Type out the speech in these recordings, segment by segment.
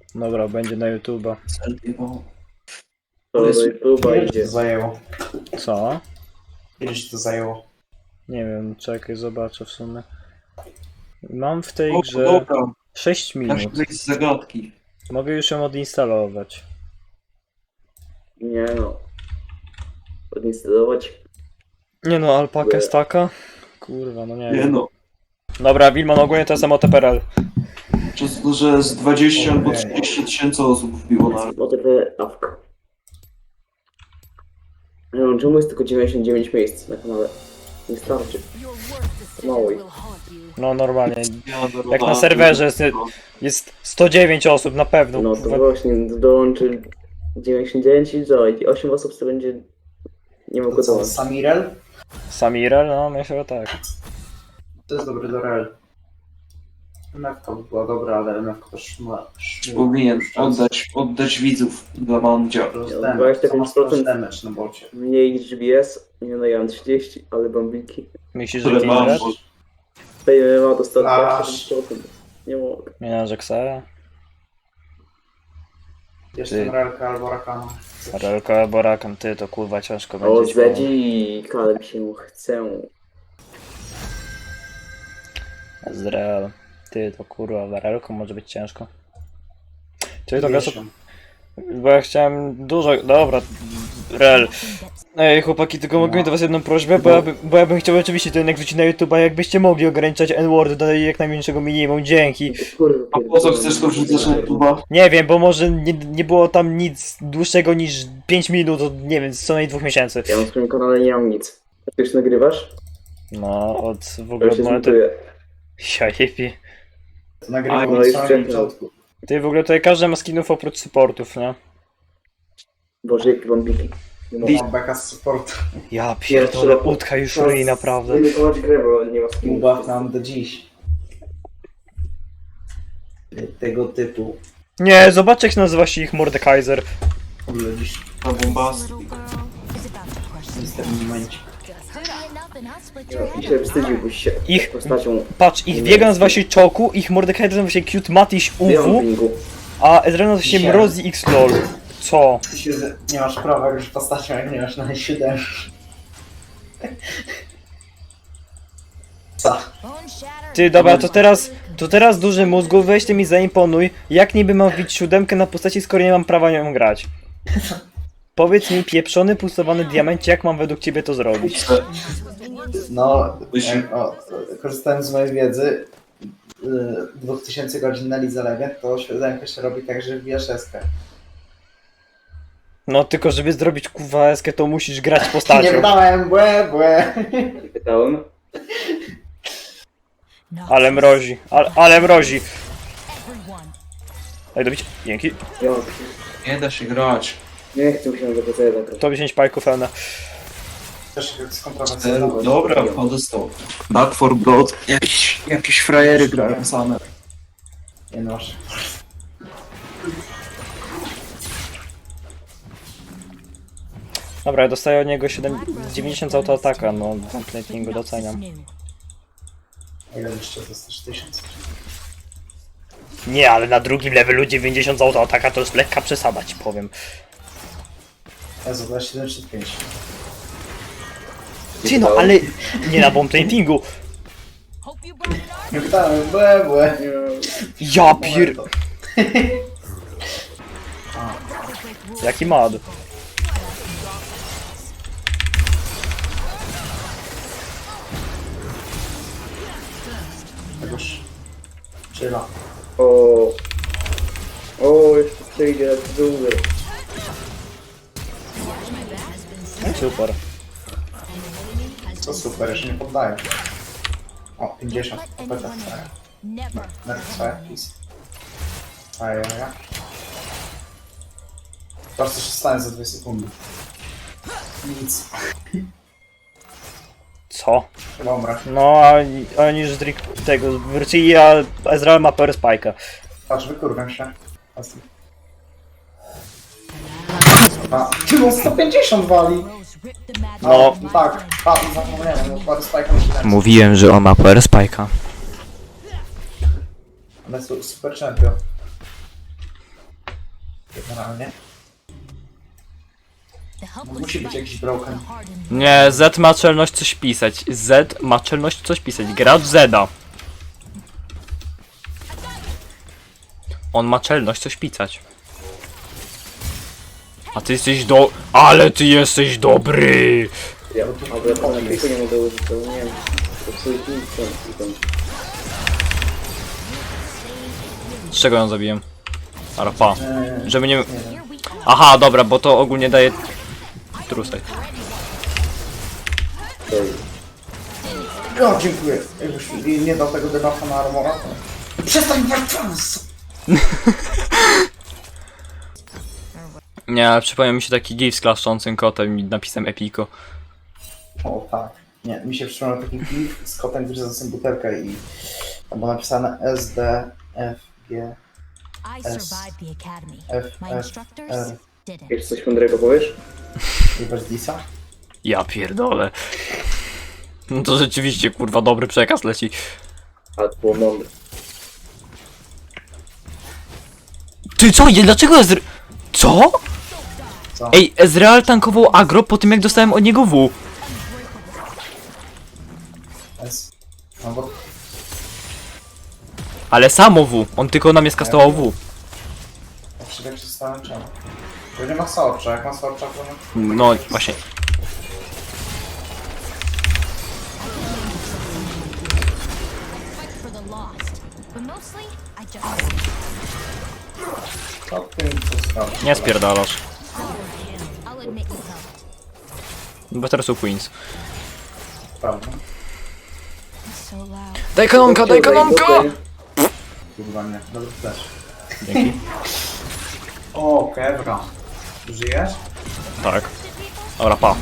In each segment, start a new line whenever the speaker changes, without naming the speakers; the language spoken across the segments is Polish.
Dobra, będzie na YouTube'a.
To do YouTube'a
Ile ci
idzie.
to zajęło?
Co?
Ile ci to zajęło?
Nie wiem, czekaj, zobaczę w sumie. Mam w tej
O,
grze
dobra,
6
da się
minut.
wyjść z zagadki.
Mogę już ją odinstalować.
Nie no. Odinstalować.
Nie no, alpaka jest taka? Kurwa, no nie
Nie
wiem.
no,
Dobra, Wilman, ogólnie to jest MOTPRL.
przez to, że z 20 albo 30 tysięcy osób wbiło na
OTP awka. Nie wiem, czemu jest tylko 99 miejsc na kanale? Nie starczy. Mało ich.
No normalnie.
ja
Jak na serwerze jest 109 osób na pewno.
No to
kurwa.
właśnie dołączy 99 i co? I 8 osób to będzie... Nie
To
mogło
co,
dołączyć.
Samirel?
Samirel? No myślę, że tak.
To jest dobry do rel. MFK by była dobra, ale MFK też ma...
Powinien oddać widzów dla Mandzia.
Plus
Ja,
damage,
25%
co ma plus damage na bocie.
Mniej niż GBS. Nie no, ja mam 30, ale bambiki.
Myślisz, że
Które mam,
Kindred?
bo
Tutaj ma dostać
Aż.
27%. Nie mogę.
Nie na Jaxa?
Jeszcze Relka albo Rakana.
Relko albo Rakan, ty to kurwa ciężko
O,
będzie.
Zedzi, Kaleb się chcę.
Ezreal. Ty to kurwa, Relko może być ciężko. Ty to gaso... Bo ja chciałem dużo... Dobra, Rel. Ej chłopaki, tylko mogę mieć do was jedną prośbę, bo ja bym chciał oczywiście to jednak wrzucić na YouTube'a, jakbyście mogli ograniczać N-word do jak najmniejszego minimum, dzięki.
Kurwa,
A po co chcesz to wrzucać na YouTube'a?
Nie wiem, bo może nie było tam nic dłuższego niż 5 minut od, nie wiem, co najmniej 2 miesięcy.
Ja na swoim kanale nie mam nic. A ty już nagrywasz?
No, od w
Ja
ogóle
się
od momentu...
zmontuję.
Jajepie.
To nagrywam
no
od
i
samego
wcześniej.
początku.
Ty w ogóle tutaj każdy ma skinów oprócz supportów, nie?
Boże, jakie bambiki. Nie mogę.
Mam beka z supportu.
Ja pierdolę, utka już ryj, naprawdę.
Nie wykonać grę, bo nie ma skinu.
Ubaw nam do dziś. Tego typu.
Nie, zobaczcie jak nazywa się ich Mordekaiser.
W ogóle dziś
Na bombasty.
w tym momencie.
I się wstydziłbyś się
Ich-
postacią.
Patrz, ich Vega nazywa się Choku, ich Mordekaiser nazywa się Cute Matiś UW,
Pingu.
a Ezreal nazywa się
Dzisiaj.
Mrozi X LOL. Co?
Ty się nie masz prawa już postacią, jak nie masz na 7. Co?
Ty, dobra, to teraz duży mózgu, weź ty mi zaimponuj, jak niby mam wbić 7 na postaci, skoro nie mam prawa nią grać. Powiedz mi, pieprzony, pulsowany diamencie, jak mam według ciebie to zrobić?
No,
Myśl-
korzystając z mojej wiedzy, 2000 godzin na Lidze Legend, to siódemkę się robi tak, że wbijasz eskę.
No tylko, żeby zrobić kurwa eskę, to musisz grać
Nie
postacią.
wydałem, błe.
Pytałem.
Ale mrozi, ale mrozi. Ej, dobić, dzięki.
Ja
Nie da się grać.
nie chcę się do PC zagrać.
To 10 pajków pełne.
Też skontrowersyjna.
Dobra, dostał. Back for Blood. Jakieś frajery grają same.
Nie no, masz.
Dobra, ja dostaję od niego 90 autoataka, no Complete doceniam.
Ile jeszcze dostać 1000?
Nie, ale na drugim levelu 90 autoataka to jest lekka przesada, ci powiem.
Ja za 7,5.
Ty no, ale nie na bomb pingu.
Nie wydałem, błe.
Ja pier... Jaki mad.
Tegoż. Czyla.
O, jeszcze przyjdzie dłużej.
Super.
To super, jeszcze nie poddaję. O, 50. Opeta. Nerf swoje, please. Ajaja. Patrz co się stanie za 2 sekundy. Nic.
Co?
Chyba umrę.
No, a oni już tego wrócili, a Ezreal ma per spike'a.
Patrz, wykurwam się. A, ty on 150 wali!
No.
Tak, zapomniałem, bo parę spajka musi
Mówiłem, że on ma per spike'a.
Ale super champion. Generalnie. Musi być jakiś broken.
Nie, Z ma czelność coś pisać. Z ma czelność coś pisać. Gracz Zeda. On ma czelność coś pisać. A ty jesteś Ale ty jesteś dobry!
Ja, ale ja na kilku nie mogę użyć, to nie wiem. To psuje nic tam.
Z czego ją zabiłem? Arpa. Żeby nie... Aha, dobra, bo to ogólnie daje... Trusaj.
O, dziękuję. Jakbyś nie dał tego debuffa na armora, to... Przestań walczyć!
Nie, ale przypomniał mi się taki gif z klaszczącym kotem i napisem Epico.
O, tak. Nie, mi się przypomniał taki gif z kotem, który zasył butelkę i... Tam było napisane S, D, F, G,
I survived the academy.
F,
My
F,
instructors
R.
did it.
Jeszcze coś mądrego powiesz?
Jebać Disa?
Ja pierdolę. No to rzeczywiście, kurwa, dobry przekaz leci.
Ale to było mądre.
Ty co? Dlaczego Co?
Co?
Ej, Ezreal tankował agro po tym jak dostałem od niego W.
S. No bo...
Ale samo W. On tylko na mnie skastował W.
Ja się tak przestałem czemu. To nie ma sorcza, jak ma sorcza, to...
No właśnie.
Fight for the lost. But mostly, I just
To ty mi co sprawi.
Nie spierdalasz.
I'll admit you helped.
Bo teraz są Queens.
Prawda?
It's so loud.
Daj kanonka, daj kanonka!
Kurwa nie, dobry flash.
Dzięki.
O, Kevra. Żyjesz?
Tak. Dobra, pa.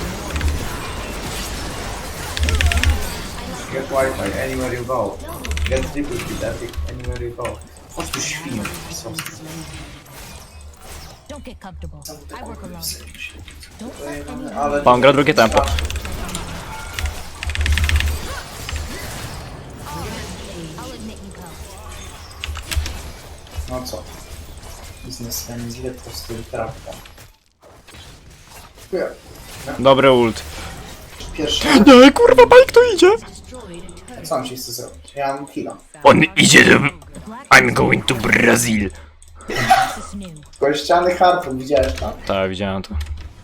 Get Wi-Fi anywhere you go. Get triple speed epic anywhere you go. Chodź tu świniu, pisowski.
Don't get comfortable. I work alone. Don't let anyone
Ale...
Pan gra drugie tempo.
I'll admit you helped.
No co? Biznesmen źle to z tym trafką. Dziękuję.
Dobry ult.
Pierwszy...
Nie, kurwa, bajk tu idzie!
Co on ci chce zrobić? Ja mam killa.
On idzie do...
Black
I'm going to Brazil.
is new.
Kościany harpun, widziałeś tam?
Tak, widziałem to.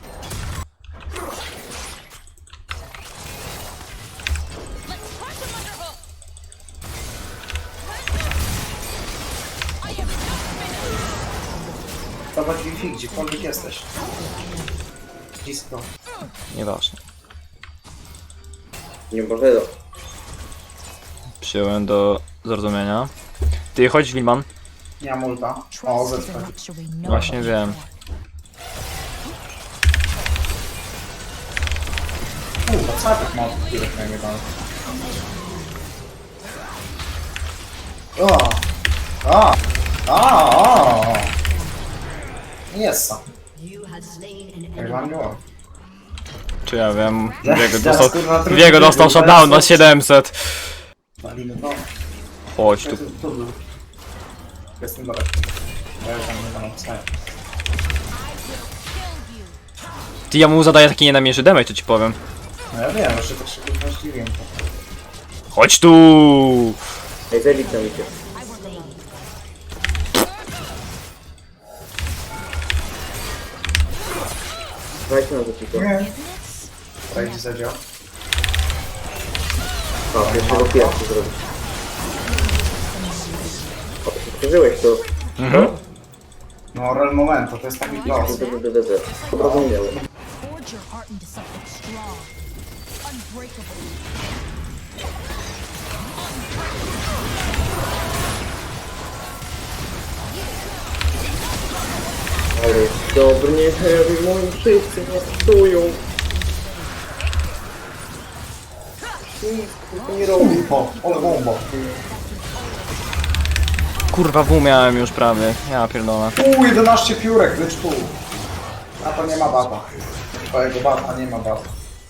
Zobacz Wi-Fi, gdziekolwiek jesteś. Blisko.
Nieważne.
Nie może do.
Przyjąłem do zrozumienia. Ty, chodź, Wilman.
Nie mam ulta. O,
Trust is
zepnę.
a luxury no
Właśnie
one
wiem.
can
Kurwa, co ja tak mam których na nie dam? O! O! O! Jest sam. Jak wam było?
Czy ja wiem.
Teraz, kurwa,
Wiego dostał
trudno,
shutdown na
teraz-
700.
Walimy to.
Chodź tu.
Tu był. Jestem dalej. Ja już tam nie mam wstania.
Ty, ja mu zadaję taki nienamierzy damage, to ci powiem.
No ja wiem, jeszcze tak się kurwa zdziwiłem.
Chodź tu!
Ej, Zelik tam idzie. Dajcie na to tylko.
Nie. Rajdź zadział.
A, pierwszego pija chcę zrobić. O, to się przeżyłeś to.
Mhm.
No, real momento, to jest taki los.
Zrozumiałem.
forge your heart into something strong, unbreakable.
Ale jest dobry, nie heavy, moi wszyscy mnie psują. Nic tylko nie robi.
O, ole bombo.
Kurwa, W miałem już prawie. Ja pierdolę.
11 piórek, lecz tu. A to nie ma bata. Twojego bata nie ma bata.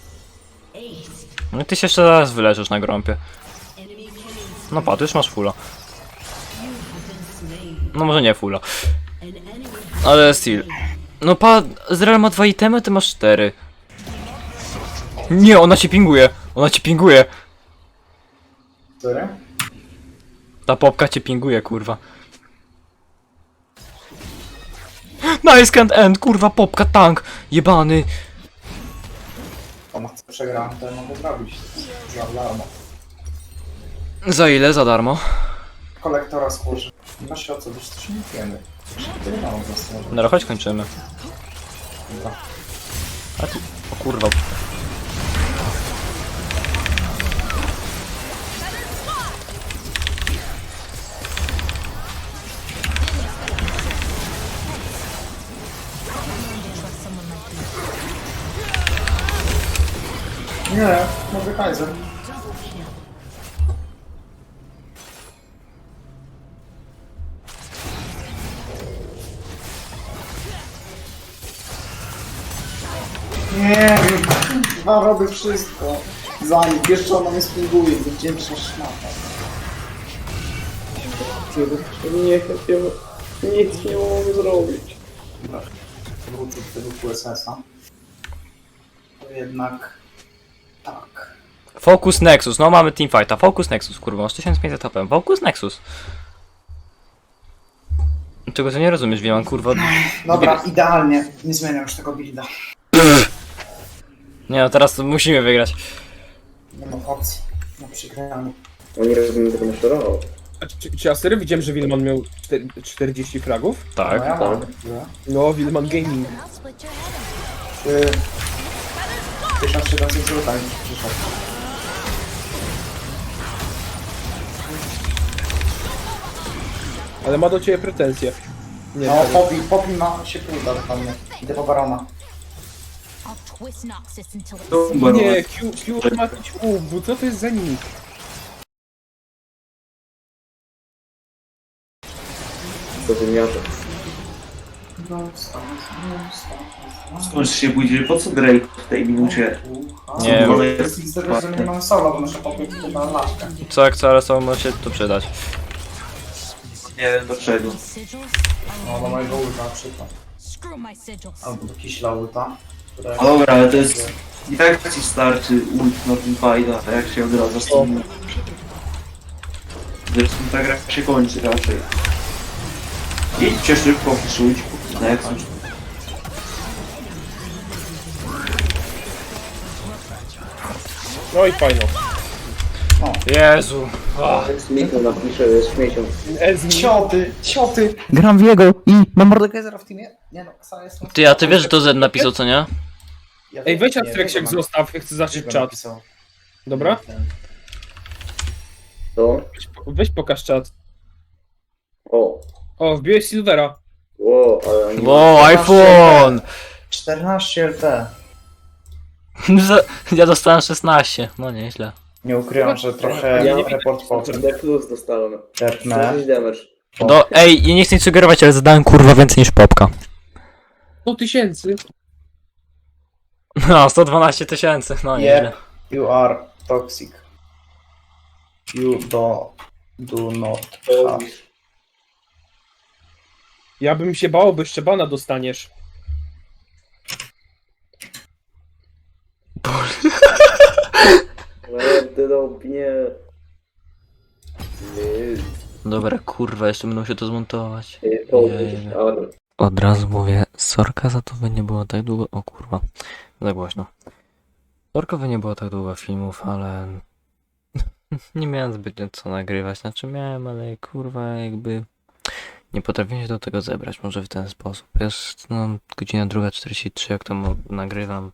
No i ty się jeszcze zaraz wyleżysz na grąpie. No patrz, już masz fulla. No może nie fulla. Ale Steel. No pa, Zreal ma 2 itemy, ty masz 4. Nie, ona cię pinguje. Ona cię pinguje.
Który?
Ta popka cię pinguje, kurwa. Nice can't end, kurwa, popka, tank. Jebany.
Ona chce przegrać, to ja mogę zrobić. Za darmo.
Za ile? Za darmo?
Kolektora skórzy. Nie ma się o co, wiesz, coś nie wiemy. Tyle mało zasłuży.
No chodź kończymy.
Dobra.
A ty... O kurwa.
Nie, mogę Kaiser. Nie, chyba robię wszystko. Zanim, jeszcze ona mnie spinguje, wdzięczna szmata.
Nie, nic nie mogę zrobić.
Wrócę do tego QSS-a. To jednak... Tak.
Focus Nexus, no mamy teamfighta. Focus Nexus, kurwa, masz 1500 HP. Focus Nexus. Czego ty nie rozumiesz, Wieman, kurwa?
Dobra, idealnie. Nie zmieniam już tego builda.
Nie no, teraz musimy wygrać.
Nie ma opcji. No przegramy.
Oni rozumiem tego naszorował.
A czy ja serio widziałem, że Wilman miał 40 fragów?
Tak.
No ja mam.
No, Wilman Gaming.
I'll split your head.
1700 zł przyszedł.
Ale ma do ciebie pretensje. Nie,
No,
serio.
Poppy ma się pluda do mnie. Idę po barona.
I'll twist Noxus until it's
To Barona.
Nie, Q ma jakiś bo co to jest za nick?
To wymiarze.
Skąd się pójdzie? Po co Drake w tej minucie?
Nie
Bo
wiem.
jest
Z tego, że nie mam solo, bo muszę Poppy na laczkę.
Co jak co, ale co może się to przydać.
nie wiem dlaczego.
sigils.
No, do mojego ulta na przykład.
Screw my sigils.
Albo do Kiśla ulta. które-
No dobra, ale to jest... I tak ci starczy ult na tym fajda, a jak się odradza z tym... Zresztą ta gra się kończy raczej. Idźcie szybko, wpisujcie. Nexus.
No i fajno.
Jezu.
Michał napisze, jest śmiecią.
Cioty! Gram w jego i mam Mordekaisera w teamie? Nie no, Ksa jest...
Ty, a ty wiesz, że to Z napisał, co nie?
Ej, weź Astrexek zostaw, ja chcę zacząć czat. Dobra?
To?
Weź pokaż czat.
O.
O, wbiłeś Silvera.
Ło, ale oni...
Wow, iPhone!
14 LT.
Ja dostałem 16, no nieźle.
Nie ukrywam, że trochę
Ja-
report po tym.
D plus dostałem.
Czerpnę.
40 damage.
Ej, ja nie chcę nic sugerować, ale zadałem kurwa więcej niż popka.
100 tysięcy.
No, 112 tysięcy, no nieźle.
Yep, you are toxic. You do not have.
Ja bym się bał, bo jeszcze bana dostaniesz.
Drobnie.
Dobra, kurwa, jeszcze będą się to zmontować.
To
Jej.
ale...
Od razu mówię, sorka za to, by nie było tak długo. O kurwa, za głośno. Sorka, by nie było tak długo filmów, ale nie miałem zbytnio co nagrywać. Znaczy miałem, ale kurwa, jakby nie potrafię się do tego zebrać. Może w ten sposób. Jest no, godzina 2:43, jak to nagrywam.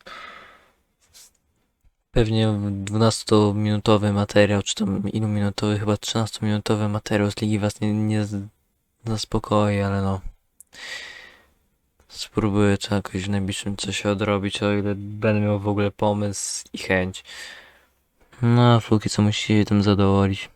Pewnie 12-minutowy materiał, czy tam ilu minutowy, chyba 13-minutowy materiał z Ligi was nie zaspokoi, ale no. Spróbuję to jakoś w najbliższym czasie odrobić, o ile będę miał w ogóle pomysł i chęć. No, a póki co musicie tym zadowolić.